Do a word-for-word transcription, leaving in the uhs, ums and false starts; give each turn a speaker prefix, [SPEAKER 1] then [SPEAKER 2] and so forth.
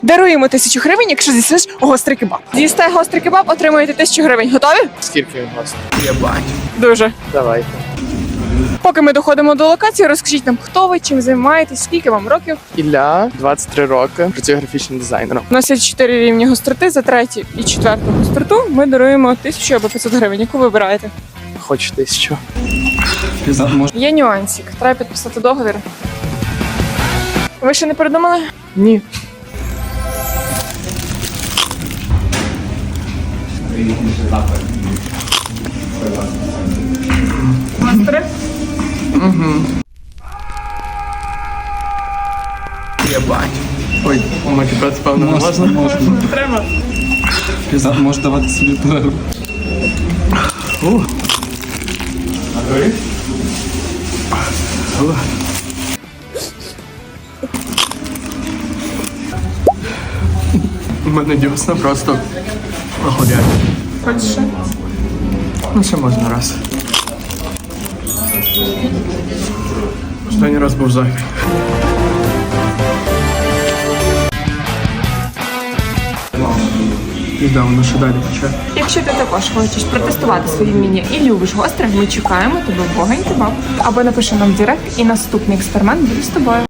[SPEAKER 1] Даруємо тисячу гривень, якщо з'їсиш гострий кебаб. З'їсте гострий кебаб, отримуєте тисячу гривень. Готові?
[SPEAKER 2] Скільки він гостей? Єбать.
[SPEAKER 1] Дуже.
[SPEAKER 2] Давайте.
[SPEAKER 1] Поки ми доходимо до локації, розкажіть нам, хто ви, чим займаєтесь, скільки вам років.
[SPEAKER 2] Ілля, двадцять три роки, працюю графічним дизайнером.
[SPEAKER 1] У нас є чотири рівні гостроти, за третю і четверту гостроту ми даруємо тисячу або п'ятсот гривень. Яку вибираєте?
[SPEAKER 2] Хочу тисячу.
[SPEAKER 1] Є нюансик. Треба підписати договір. Ви ще не передумали?
[SPEAKER 2] Ні.
[SPEAKER 1] Мастери?
[SPEAKER 2] Єбать. Ой, матюкати, певно, не можна?
[SPEAKER 3] Можна.
[SPEAKER 1] Не треба.
[SPEAKER 3] Піза- Можеш давати собі перерву.
[SPEAKER 2] У мене дівсна просто охуєть.
[SPEAKER 1] Хочеш ще?
[SPEAKER 2] Ну, ще можна раз. Останній раз був зайвий. І да, воно ще далі почне.
[SPEAKER 1] Якщо ти також хочеш протестувати свої вміння і любиш гостре, ми чекаємо тебе в Вогонь Кебаб. Або напиши нам в директ, і наступний експеримент буде з тобою.